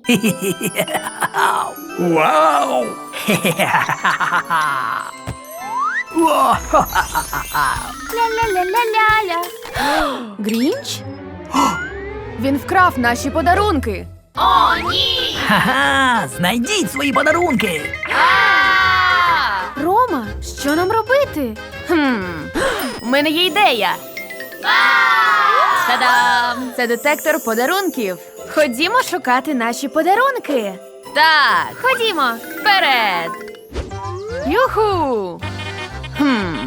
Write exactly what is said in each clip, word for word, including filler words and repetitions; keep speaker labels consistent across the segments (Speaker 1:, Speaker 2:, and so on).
Speaker 1: Вау!
Speaker 2: Ля-ля-ля-ля-ля-ля. Грінч? Він вкрав наші подарунки.
Speaker 3: О, ні!
Speaker 1: Ха-ха! Знайдіть свої подарунки!
Speaker 2: Рома, що нам робити? Хм, у мене є ідея. Та-дам! Це детектор подарунків. Ходімо шукати наші подарунки. Так, ходімо, вперед. Юху! Хм.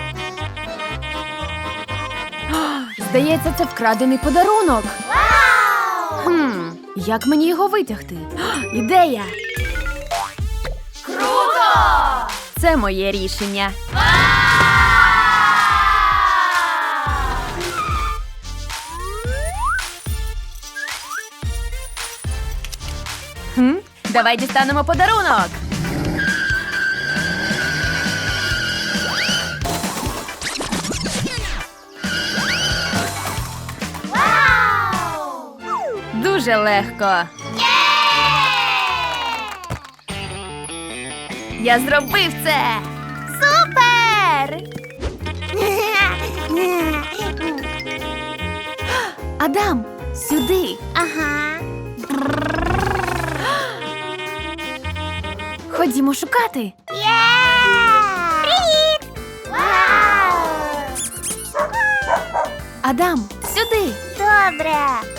Speaker 2: О, здається, це вкрадений подарунок. Хм, як мені його витягти? О, ідея!
Speaker 3: Круто!
Speaker 2: Це моє рішення. Хм, давай дістанемо подарунок.
Speaker 3: Вау!
Speaker 2: Дуже легко. Я зробив це! Супер! Адам, сюди.
Speaker 3: Ага.
Speaker 2: Ходімо шукати.
Speaker 3: Є! Привіт! Вау!
Speaker 2: Адам, сюди.
Speaker 3: Добре.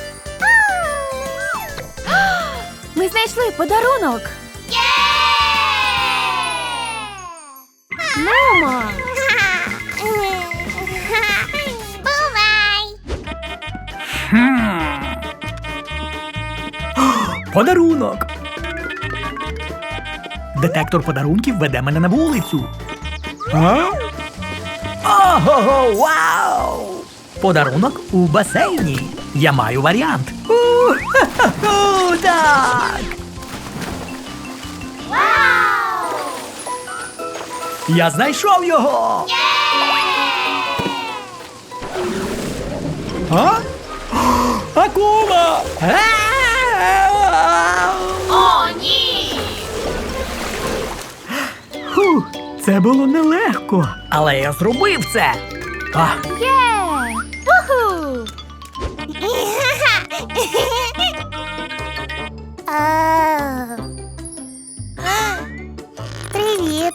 Speaker 2: Ми знайшли подарунок.
Speaker 3: Є!
Speaker 2: Мамо!
Speaker 3: Бувай!
Speaker 1: Подарунок! Детектор подарунків веде мене на вулицю. А? Ого, вау! Подарунок у басейні. Я маю варіант. У-ху-ху, так!
Speaker 3: Вау!
Speaker 1: Я знайшов його! А? Акула!
Speaker 3: О, ні!
Speaker 1: Фух, це було нелегко. Але я зробив це. А,
Speaker 2: Є! Уху!
Speaker 3: Привіт!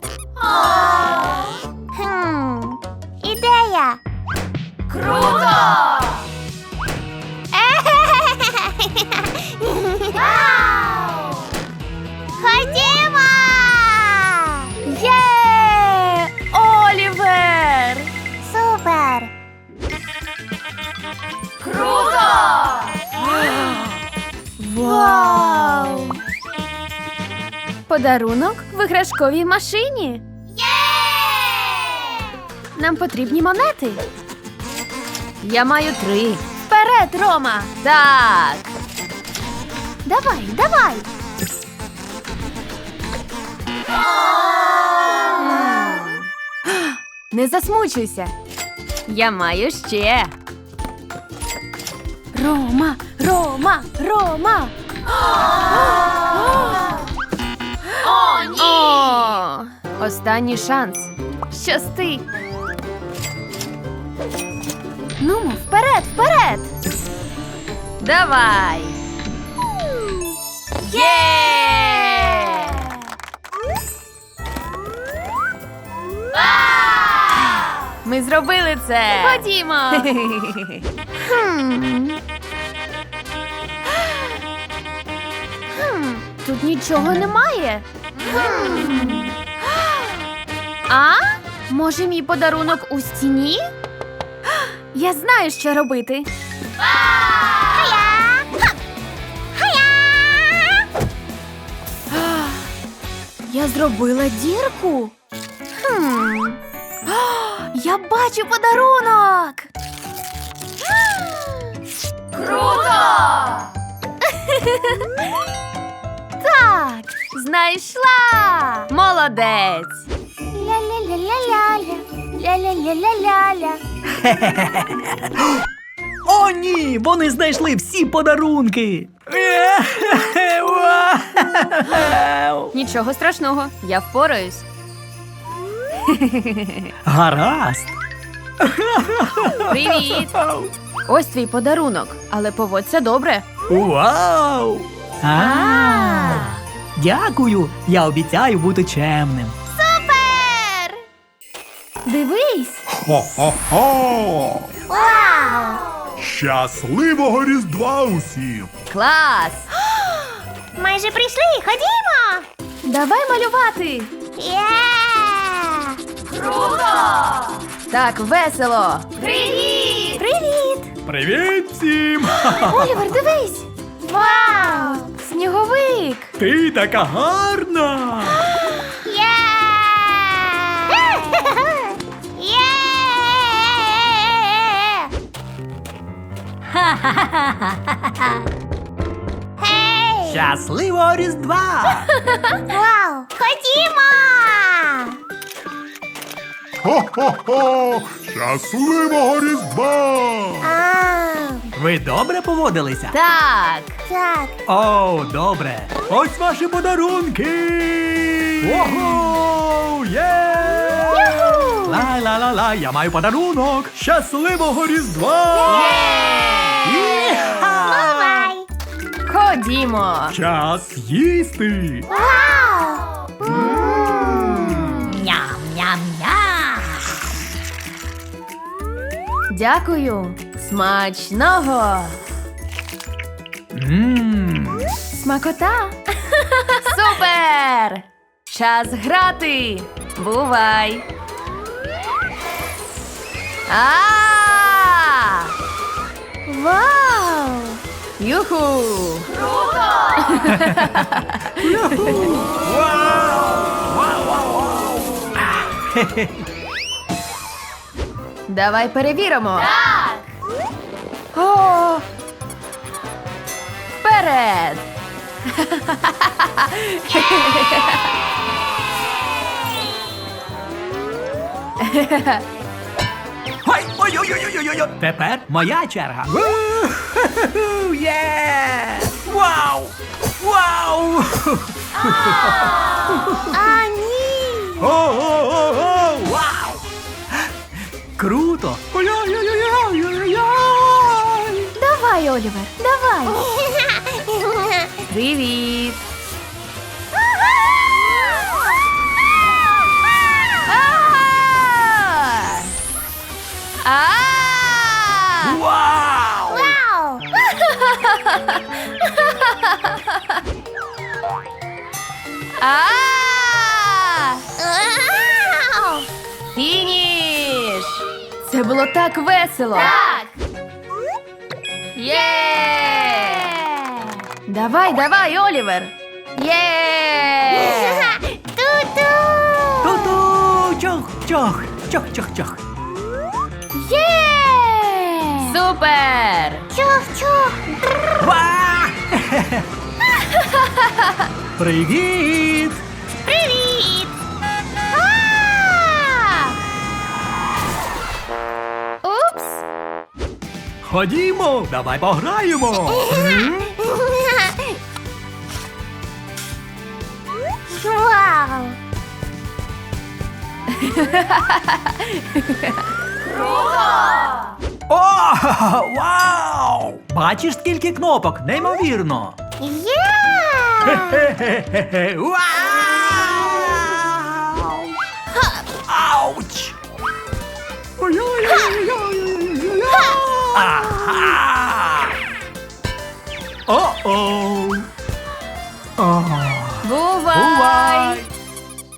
Speaker 3: Хм, ідея! Круто! Вау! Ходімо!
Speaker 2: Є! Олівер!
Speaker 3: Супер! Круто!
Speaker 2: Вау! Подарунок в іграшковій машині.
Speaker 3: Є!
Speaker 2: Нам потрібні монети. Я маю три. Вперед, Рома! Так. Давай, давай. М. Не засмучуйся. Я маю ще. Рома, Рома, Рома.
Speaker 3: О, ні!
Speaker 2: О, останній шанс. Щасти. Нумо, вперед, вперед. Давай. Є! Ми зробили це. Ходімо. Хм. Хм, тут нічого немає. Хм. А? Може, мій подарунок у стіні? Я знаю, що робити. Я зробила дірку. Хм. Я бачу подарунок.
Speaker 3: Круто!
Speaker 2: Так, знайшла. Молодець.
Speaker 3: Ля-ля-ля-ля-ля-ля, ля-ля-ля-ля-ля-ля.
Speaker 1: О, ні! Вони знайшли всі подарунки! Е-хе-хе, вау!
Speaker 2: Нічого страшного, я впораюсь.
Speaker 1: Гаразд.
Speaker 2: Привіт! Ось твій подарунок, але поводься добре.
Speaker 1: Вау! А, дякую. Я обіцяю бути чемним.
Speaker 3: Супер!
Speaker 2: Дивись!
Speaker 4: Хо-хо-хо!
Speaker 3: Вау!
Speaker 4: Щасливого Різдва усім!
Speaker 2: Клас!
Speaker 3: Майже прийшли, ходімо!
Speaker 2: Давай малювати!
Speaker 3: Є! Круто!
Speaker 2: Так весело!
Speaker 3: Привіт! Привіт!
Speaker 1: Привіт всім!
Speaker 2: Олівер, дивись!
Speaker 3: Вау!
Speaker 2: Сніговик!
Speaker 1: Ти така гарна!
Speaker 3: Є! Є! Гей!
Speaker 1: Щасливого Різдва!
Speaker 3: Вау! Ходімо!
Speaker 4: Хо-хо-хо! Щасливого Різдва!
Speaker 3: А,
Speaker 1: Ви добре поводилися?
Speaker 2: Так!
Speaker 3: так.
Speaker 1: О, добре. Ось ваші подарунки. Ого! Є!
Speaker 3: Юху!
Speaker 1: Ла-ла-ла-ла, я маю подарунок. Щасливого Різдва! Іха!
Speaker 3: Бувай!
Speaker 2: Ходімо!
Speaker 1: Час їсти.
Speaker 3: Вау!
Speaker 2: Дякую! Смачного!
Speaker 1: Мм.
Speaker 2: Смакота! Супер! Час грати! Бувай! А!
Speaker 3: Вау!
Speaker 2: Юху! Давай перевіримо.
Speaker 3: Так!
Speaker 2: О! Вперед!
Speaker 1: Ой, ой, ой, ой, ой, ой, ой. Тепер моя черга. У-ху-ху-ху, Є! Вау! Вау!
Speaker 3: А, ні!
Speaker 1: О-о-о-о! Вау! Круто! Ой-ой-ой-ой-ой-ой-ой!
Speaker 2: Давай, Олівер, давай! Привіт! А! А!
Speaker 1: Вау!
Speaker 3: Вау!
Speaker 2: А!
Speaker 3: Вау!
Speaker 2: Фініш! Це було так весело!
Speaker 3: Так!
Speaker 2: Є! Давай, давай, Олівер! Є!
Speaker 3: Ту-ту!
Speaker 1: Ту-ту! Чох-чох! Чох-чох-чох!
Speaker 3: Є!
Speaker 2: Супер!
Speaker 3: Чух-чух!
Speaker 1: Ва! Привіт!
Speaker 3: Привіт! А! Упс!
Speaker 1: Ходімо, давай пограємо!
Speaker 3: Вау!
Speaker 1: О, вау! Бачиш, скільки кнопок? Неймовірно!
Speaker 3: Є!
Speaker 1: Хе-хе-хе-хе! Вау! Ауч! Ой-ой-ой-ой-ой-ой-ой! Ага! О-оу! О,
Speaker 2: Бувай!
Speaker 1: бувай!